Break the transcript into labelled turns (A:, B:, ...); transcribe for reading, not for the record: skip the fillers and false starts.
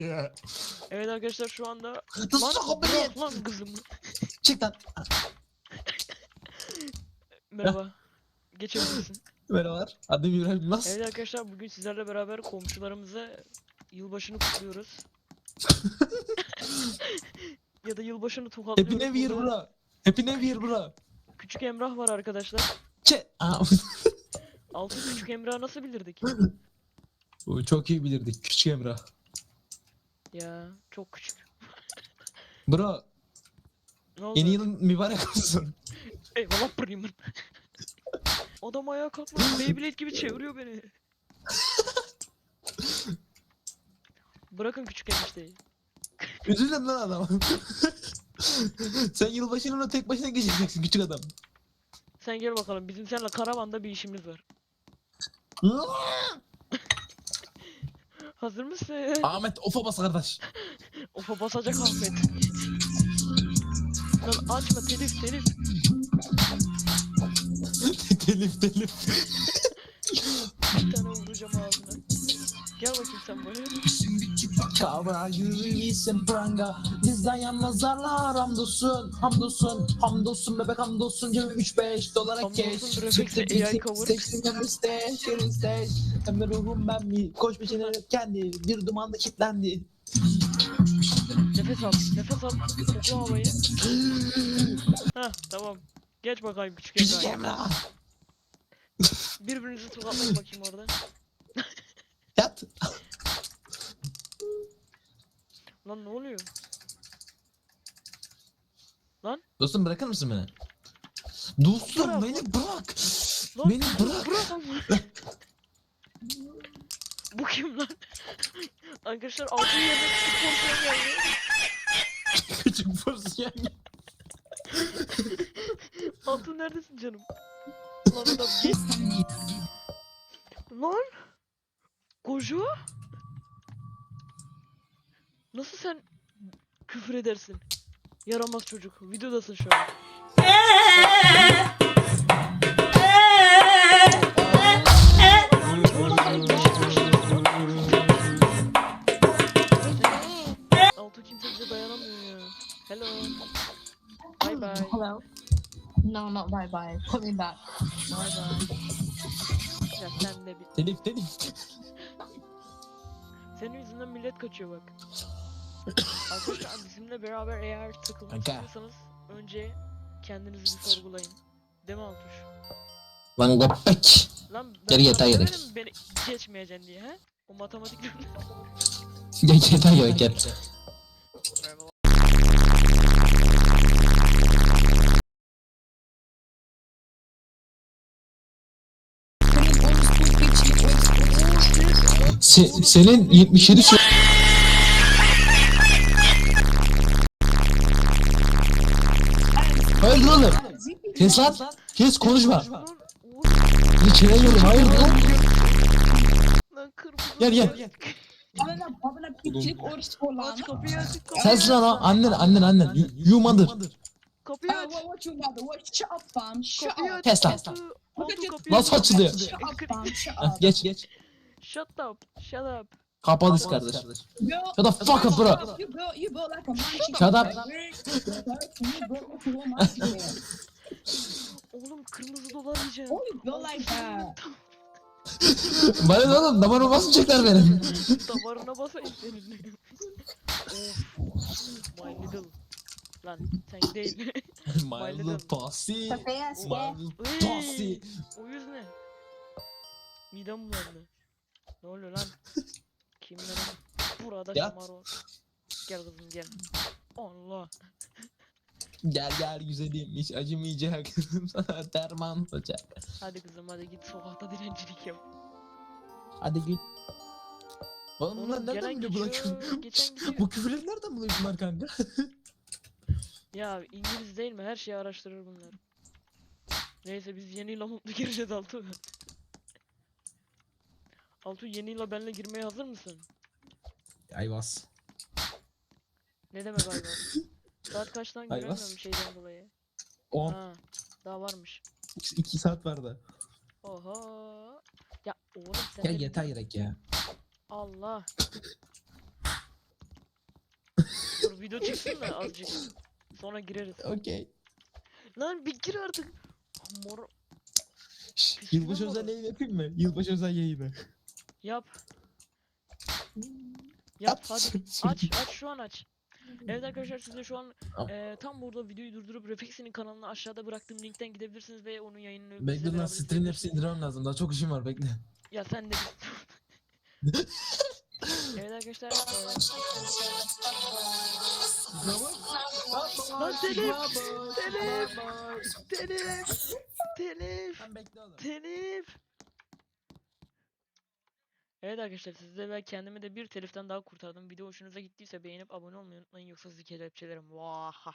A: Evet arkadaşlar şu anda
B: Nasıl sokak beni?
A: bırak lan kızım.
B: Çık lan.
A: Merhaba. Geçebilirsin.
B: Merhabalar. Adım İbrahim Yılmaz.
A: Evet arkadaşlar bugün sizlerle beraber komşularımıza yılbaşını kutluyoruz. Ya da yılbaşını
B: Happy
A: tokatlıyoruz.
B: New Year
A: Burada
B: bro. Happy New Year bro.
A: Küçük Emrah var arkadaşlar. Altı küçük Emrah'ı nasıl bilirdik?
B: Bu çok iyi bilirdik küçük Emrah.
A: Ya çok küçük.
B: Bro
A: Ne oldu?
B: yeni yılın mübarek olsun.
A: Eyvallah Bremen. Adam ayağa kalkmış Beyblade gibi çeviriyor beni. Bırakın küçük enişteyi.
B: Üzülün lan adam. Sen yılbaşını ona tek başına geçireceksin küçük adam.
A: Sen gel bakalım bizim seninle karavanda bir işimiz var. Hazır mısın?
B: Ahmet ofa bas kardeş.
A: Ofa basacak Ahmet. Lan açma telif.
B: telif.
A: Bir tane vuracağım ağzına. Gel bakayım sen böyle.
B: Kavra yürüyüşün pranga. Bizden yalnızlarla hamdolsun bebek hamdolsun cebim 3-5 dolara
A: Hamdolsun
B: keş.
A: refleksle AI cover.
B: Seçtim hem stage, şerin stage. Hem de ruhum ben mi? Koş peşine kendi bir dumanda kilitlendi.
A: Nefes al. Kokla havayı. Heh tamam. Geç bakayım küçük
B: Küçük
A: Emrah.
B: Emrah.
A: Birbirinizi tokatlayın bakayım orada.
B: Yat.
A: Lan ne oluyor?
B: Dostum bırakır mısın beni? Dostum
A: Bırak.
B: beni bırak.
A: Lan
B: Beni bırak.
A: bırak ama. Bu kim lan? Arkadaşlar altın yerine küçük porsiyon geldi.
B: Küçük porsiyon.
A: Altın neredesin canım? Lan adam git. Lan. Koca. Nasıl sen küfür edersin? Yaramaz çocuk. Videodasın şu an. Altı kimse bize dayanamıyor ya. Hello. Bye bye.
C: Hello. No, not bye bye. Put me back.
A: Bye bye. Ya sen de bir...
B: Telif.
A: Senin yüzünden millet kaçıyor bak. Arkadaşlar bizimle beraber eğer takılmak
B: Kanka.
A: istiyorsanız önce kendinizi bir sorgulayın. Değil mi Altuş?
B: Lan köpek.
A: Lan ben
B: Geri
A: sana
B: yatağa
A: demedim
B: gerek.
A: mi beni geçmeyeceksin diye he? O matematik
B: Gel.
A: Merhaba.
B: Senin 77 şey... Hayır oğlum. Kes lan. Kes konuşma.
A: Lan oğlum,
B: Bir çeneliyorum. Hayır lan.
A: lan kırmızı.
B: Gel.
C: Bana küçük oruç olan.
A: Aç kapıyı aç kapıyı.
B: Sensin lan o. Annen. You mother.
A: Kapıyı aç.
C: What you mother? What? Shut up, fam. Shut
A: Kapıyı
C: up.
A: aç.
B: Kes lan.
A: Altı
C: Look at your-
A: kapıyı
B: Nasıl
A: aç.
B: açılıyor?
C: Shut up, fam. Shut
B: Heh,
C: up.
B: Geç.
A: Shut up.
B: Kapadız kardeş.
C: Girl,
B: Shut the fuck up bro.
C: You built like a munchie.
B: Shut up.
C: You built like a munchie.
A: Oğlum kırmızı dolar yiyeceğim.
C: Oh, you built like that.
B: Bana ne oğlum? Damarıma basmayacaklar benim.
A: Damarına basayım senin. Of. My little. Lan sen değil.
B: My little pussy.
C: Yes,
B: My little pussy.
A: Ey, o yüz ne? Midem bulandı. Ne oluyor lan? Kimler burada
B: Yat.
A: şamar. Gel kızım gel. Allah.
B: Gel güzelim. Hiç acımayacak. Sana derman olacak.
A: Hadi kızım hadi git sokakta dilencilik yap.
B: Hadi git. Oğlum
A: Oğlum,
B: bunlar nereden
A: gelen
B: biliyor bu
A: geçiyor,
B: küfür?
A: geçen gidiyor.
B: Bu küfürleri nereden buluyor bunlar kanka?
A: Ya İngiliz değil mi? Her şeyi araştırır bunlar. Neyse biz yeni yıla mutlu gireceğiz Altu. Altu yeni yıla benimle girmeye hazır mısın?
B: Ayvaz.
A: Ne demek ayva? Saat kaçtan
B: Ayvaz.
A: göremiyorum şeyden dolayı.
B: 10.
A: Ha, daha varmış.
B: 2 saat vardı.
A: Oha. Ya oğlum sen
B: Ya
A: de
B: yeter gerek ya.
A: Allah. video çıksın da azıcık. Sonra gireriz.
B: Okey.
A: Lan bir gir artık. Mor
B: Yılbaşı
A: Pişman
B: özel
A: mı?
B: yayın yapayım mı? Yılbaşı özel yayını.
A: yap. Yap hadi.
B: Sür-
A: Aç şu an aç. Evet arkadaşlar siz de şu an
B: Tamam.
A: tam burada videoyu durdurup Refexi'nin kanalına aşağıda bıraktığım linkten gidebilirsiniz ve onun yayınını bizle
B: Bekle lan
A: beraber
B: stream hepsini
A: izleyebilirsiniz.
B: indirmem lazım. Daha çok işim var bekle.
A: Ya sen de evet arkadaşlar Lan telif! Telif! telif telif
B: Sen bekle oğlum.
A: telif. Evet arkadaşlar sizde ve kendimi de bir teliften daha kurtardım. Video hoşunuza gittiyse beğenip abone olmayı unutmayın yoksa sizi kelepçelerim. Vaha.